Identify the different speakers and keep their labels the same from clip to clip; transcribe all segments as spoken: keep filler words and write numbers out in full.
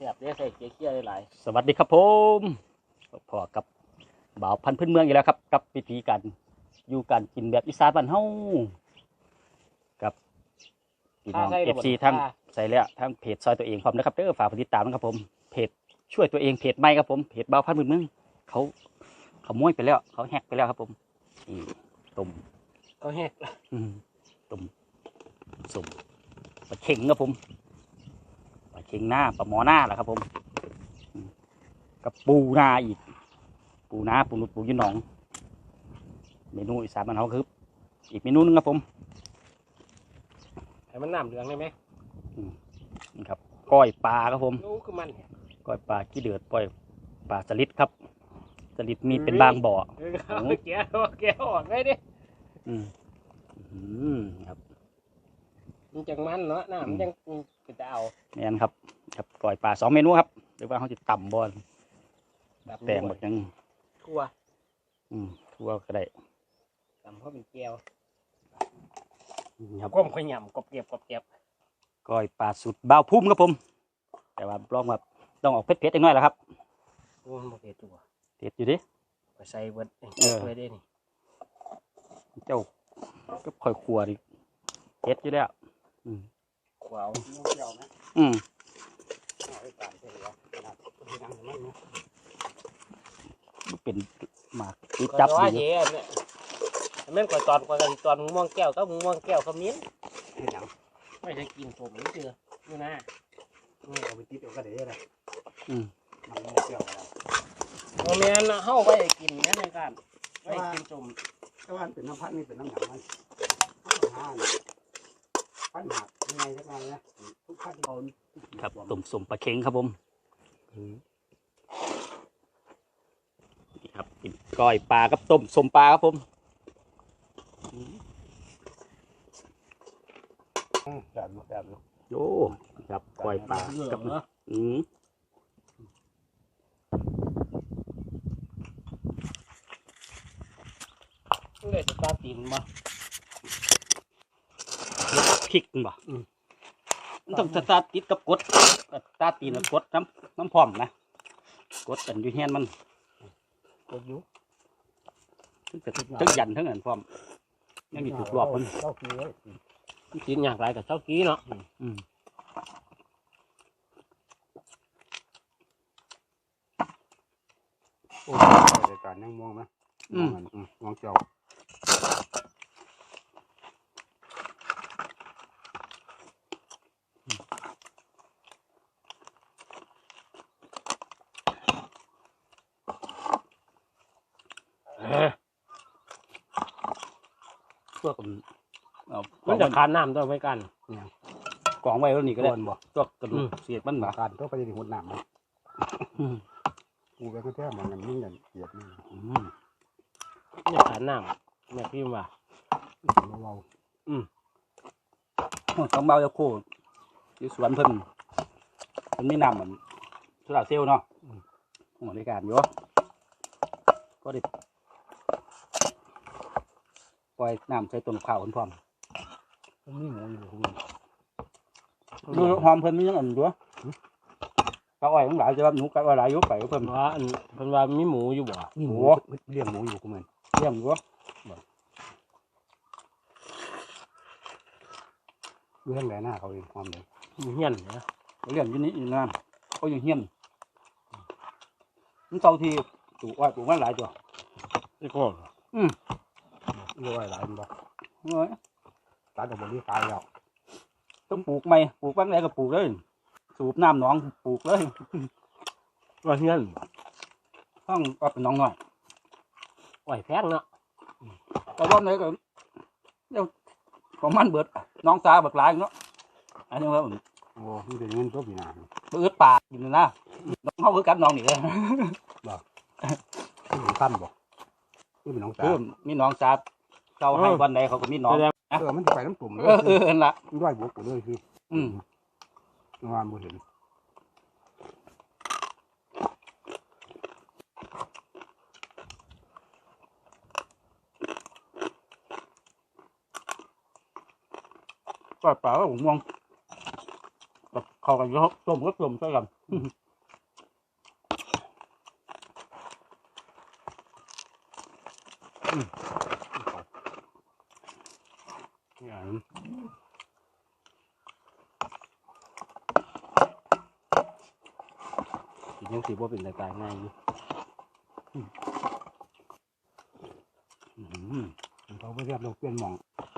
Speaker 1: ซ่บเด้ใส่เกลือหลาย
Speaker 2: สวัสดีครับผมพอกับบ่าวพันธุ์พื้นเมืองอีกแล้วครับกับวิธีการอยู่การกินแบบอีสานบ้านเฮากับพี่น้อง เอฟ ซี ทั้งใส่แล้วทั้งเพจซอยตัวเองพร้อมนะครับเด้อฝากติดตามนะครับผมเพจช่วยตัวเองเพจใหม่ครับผมเพจบ่าวพันธุ์พื้นเมืองเขาเขาม้วยไปแล้วเขาแฮกไปแล้วครับผมนี่ต้ม
Speaker 1: เขาแฮก
Speaker 2: ต้มสุ่มปลาเข็งครับผมปลาเข็งหน้าปลาหมอหน้าแหละครับผมกับปูนาอีกปูนาปูนุดปูยืนหนองเมนูอีสานบ้านเขาคืออีกเมนูนึงครับผม
Speaker 1: ให้มันน้ำเหลืองได้ไหม
Speaker 2: นี่ครับก้อยปลาครับผม
Speaker 1: นู้คือมัน
Speaker 2: ก้อยปลาขี้เดือดปล่อยปลาสลิดครับสลิดมีเป็นบางบ่อ
Speaker 1: แก้วแก้วออกได้ดิ
Speaker 2: อืมอืมครับ
Speaker 1: มันจังมันเนาะน้ำมันจังจะเอา
Speaker 2: เนี่ยนะครับครับก้อยปลาสองเมนูครับหรือว่าเขาจะต่ำบอลแตงแบบยัง
Speaker 1: ทั่ว
Speaker 2: อืมทั่วก็ได้
Speaker 1: ต่ำเพราะเป็นแก้ว
Speaker 2: ครับ
Speaker 1: ก้มขยำกบเก็บกบเก็บ
Speaker 2: ก้อยปลาสุดบ้าวพุ่มครับผมแต่ว่าลองแบบต้องออกเผ็ดๆอีกหน่อยแล้วครับ
Speaker 1: โอ้มันเผ็ดตัว
Speaker 2: เผ็ดอยู่ดิ
Speaker 1: ไปใส่เบิร์ดเออไปได้นี่
Speaker 2: เจ้าก็ค่อยขัวดิเผ็ดอยู่แล้วอืม
Speaker 1: ขวาวเจียวนะ
Speaker 2: อืมเป็นหมากติดจับอยู่
Speaker 1: เนี่ยแม่นก่อนตอนก่อนตอนม่วงแก้วก็ม่วงแก้วขมิ้นไม่ใช่กินผมนี่เจออยู่นะ
Speaker 3: นี่เอาไปติดเอากระเดะเลย
Speaker 2: อืม
Speaker 3: มันม่วงแก้วอะไร
Speaker 1: โมเมนต์เข้าไปกินนี่ในการไปกินสม
Speaker 3: ก็ว่าเป็นน้ำพัดนี่เป็นน้ำหนักมันห้าพันหักยังไงสักหน่อยนะทุกพันโดน
Speaker 2: ครับตุ่มสมปลาเค็งครับผมนี่ครับกินก้อยปลากับต้มสมปลาครับผม
Speaker 3: แบบแบบ
Speaker 2: โอ้ครับก้อยปลากับอืม
Speaker 1: เลยจะตาตีนมา
Speaker 2: พริกบ่มันต้องตาติดกับกดตาตีนกับกดน้ำน้ำพร้อมนะกดกันอยู่เฮียนมัน
Speaker 1: กดอยู่
Speaker 2: ทั้งทั้งยันทั้งอันพร้อมยังมีจุดรอบมัน
Speaker 3: เจ้ากี้เลย
Speaker 1: กินอย่างไรกับเจ้ากี้เนาะ
Speaker 2: อืม
Speaker 3: โอ้รายการยังม่วงไหม
Speaker 2: อืม
Speaker 3: ม่วงเจ้า
Speaker 2: พวก
Speaker 1: มันจะคานน้ำด้วยไม่กัน
Speaker 2: กองไว้แล้วนี่ก็ได้ตัวกระดูกเสียดมันบ่
Speaker 3: การต้องไปที่หัวหนามมันกูไปก็แท้มันนิ่งกันเสียดนี่
Speaker 1: เนี่ยคานน้ำเนี่ยพี่ว่า
Speaker 3: เรา
Speaker 2: อืมต้องเบาจะคู่ที่สวนเพิ่นมันไม่นำเหมือนสุราเซลเนาะหัวในการอยู่ก็ได้ปล่อยน้ำใส่ต้นข้าวพร้อม
Speaker 3: นี่หมูอยู่คุณ
Speaker 2: ดูหอมเพิ่นมีอย่างอื่นด้วยปลาอ้อยทั้งหลายจะรับหนูกับอะไรยุบไปเพิ่น
Speaker 1: ว่าอันเพิ่นว่ามีหมูอยู่บ่
Speaker 2: หมู
Speaker 3: เลี้ยงหมูอยู่คุณเหมือน
Speaker 2: เลี้ยงอยู่
Speaker 3: เลี้ยงไหนหน้าเขาเองความเลย
Speaker 1: เฮี้ยนนะ
Speaker 2: เลี้ยงอยู่นี่อยู่นั่นเขาอยู่เฮี้ยนมันเต่าที่ปลูกอ้อยปลูกมันหลายตัว
Speaker 1: ไอ้ก้อน
Speaker 2: อืม
Speaker 3: เลี้ยงอ้อยหลายมันบ่
Speaker 2: เอ้ย
Speaker 3: ตายแต่บนนี้ตายแล้ว
Speaker 2: ต้องปลูกใหม่ปลูกบ้างไหนก็ปลูกเลยสูบน้ำหนองปลูกเลย
Speaker 1: ว่าเฮี้ยน
Speaker 2: ต้องเอาเป็นน้องหน่อย
Speaker 1: อ้อยแพงเนาะ
Speaker 2: แต่รอบไหนก็เดี๋ยวของมันเบิดน้องตาเบิดหลายเนาะอันนี้ว่า
Speaker 3: โอ้นี่เป็นเงินตัวปีนา
Speaker 2: เบิดป่าอยู่นะน้องเขาคือกันน้องนี่เลย
Speaker 3: บ่ที่เป็นตั้มบ่ที่เป็นน้องตา
Speaker 2: มีน้องตาเจ้าให้วันไหนเขาก็มีน้อง
Speaker 3: เออมันไปน้ำตุ่มเลย
Speaker 2: เออเออละ
Speaker 3: ด้วยบวกกูเลยคือ
Speaker 2: อืม
Speaker 3: งานบุเห็น
Speaker 2: ก็เปล่าผมมองเขากันเยอะต้มก็ต้มใช่กัน
Speaker 3: อย่างกินยังสีบ่เป็นตายง่ายอยู่เขาไปเรียบเราเปลี่ยนหม่อง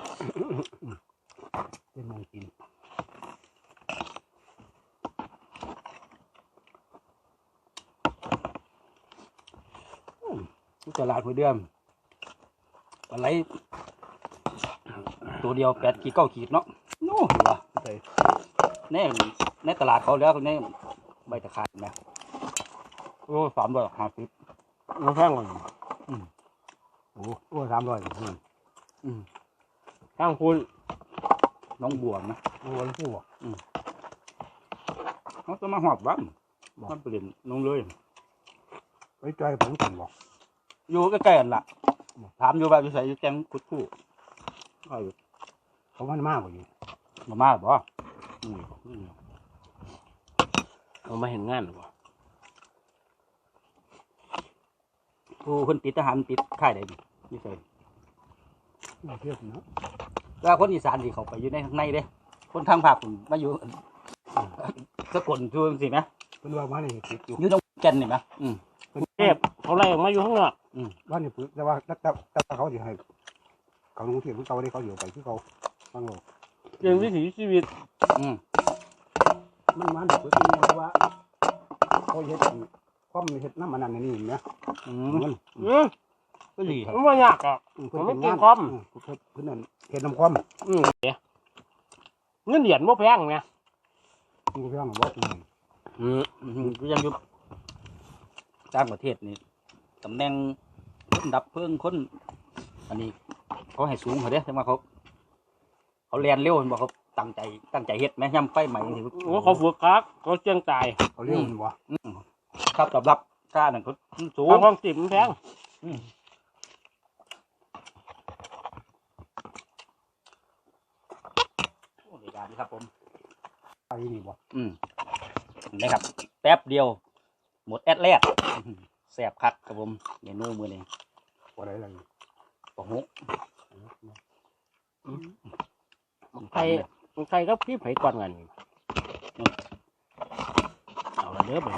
Speaker 3: เปลี่ยนหม่องกินตลาดหัวเดือมอะไรตัวเดียวแปดขีดเก้าขีดเนาะโน่เหรอในในตลาดเขาแล้วในใบตะไคร้นะโอ้สามร้อยห้าสิบ
Speaker 1: มันแพงกว่า
Speaker 3: โอ้โอ้สามร้อยอืม
Speaker 1: ข้างคุณ
Speaker 3: น้องบวงนะโอ้น้องบวงอืมเขาจะมาหอบบ้านมันเปลี่ยนน้องเลยไปใจผมสั่งบอกอยู่ใกล้ๆกันล่ะถามอยู่แบบอยู่ใส่อยู่แจ้งคุดคู่เขามันมากกว่าอยู่มามากบ่อืม
Speaker 1: เอามาเห็นงานหรือเปล่า
Speaker 3: ผู้คนติดทหารติดค่ายใดนี่อยู่ใส่เทียบนะแล้วคนอีสานที่เขาไปอยู่ในข้างในเด้คนทางภาคผมมาอยู่สกลช่วงสิไหมเป็นว่ามาเนี่ยติดอยู่อยู่ตรงแก่นนี่ไหมอืม
Speaker 1: เทพเขาไล่ออกมาอยู่ข้างนอก
Speaker 3: อืมบ้านนี่แต่ว่าแต่แต่เขาจะให้เขาลงเทียบเขาได้เขาอยู่ไปที่เขาฟังโลก
Speaker 1: เรื่องวิถีชีวิต
Speaker 3: อืมมันมันเปิดที่นี่ว่าเขาเห็ดความเห็ดน้ำมันนั่นนี่เนี่ยอืมมัน
Speaker 1: อืม
Speaker 3: ก็ดีครับ
Speaker 1: มันไม่ยากอ่ะผมไม่กินคอม
Speaker 3: เพื่อนนั่นเห็ดน้ำความ
Speaker 1: อืมเดี๋ยวเงินเหรียญบ่แพงไง
Speaker 3: กูเพื่อนบอกอืม
Speaker 1: อืม
Speaker 3: อืมก็ยังอยู่ต่างประเทศนี่ตำแหน่งคนดับเพลิงคนอันนี้เขาให้สูงเขาเด้แต่ว่าเขาเขาเรียนเร็วเห็นบอกเขาตั้งใจตั้งใจเฮ็ดไหมย่ำไฟใหม่ที่
Speaker 1: โอ้เขาฝึกคักเขาเจียงตาย
Speaker 3: เขาเร็วเห็นบ่ครับตอบรับค่าหนึ่งเขาสูง
Speaker 1: เอาห้องสิบมันแพง
Speaker 3: โอ้ยการนี่ครับผมไปนี่บ่อืมนะครับแป๊บเดียว หมดแอดแรกแสบคักครับผมเมนูมือนี้ว่าอะไรอะไรปะฮุ
Speaker 1: ใครใครก็พี่ไผ่ก่อนกันเอาละเด้อไป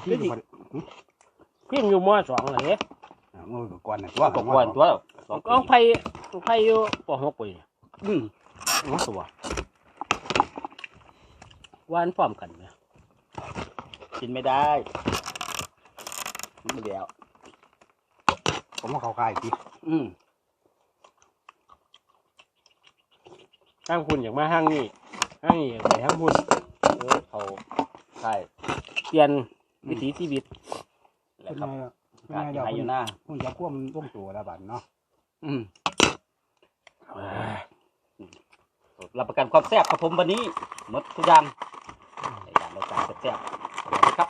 Speaker 1: พี่อยู่มอสองเลย
Speaker 3: มือก่อนนะตัวก่อนตัว
Speaker 1: ก็ไผ่ไผ่อยู่ปหกปี
Speaker 3: อืม
Speaker 1: มาตัววานพร้อมกันไหม
Speaker 3: กินไม่ได้ไม่เดียวผมว่าเขาคายจีอืม
Speaker 1: ห้างคุณอย่างมาห้างนี่ห้างนี่อย่างไรห้างคุณ
Speaker 3: เออเขาคาย
Speaker 1: เปลี่ยนวิถีชีวิต
Speaker 3: แหละครับการที่ให้อยู่หน้าคุณจะควบมันร่วมตัวระบาดเนาะอืมรับประกันความแซ่บครับผมวันนี้หมดทุกอย่างในการรายการแซ่บๆครับ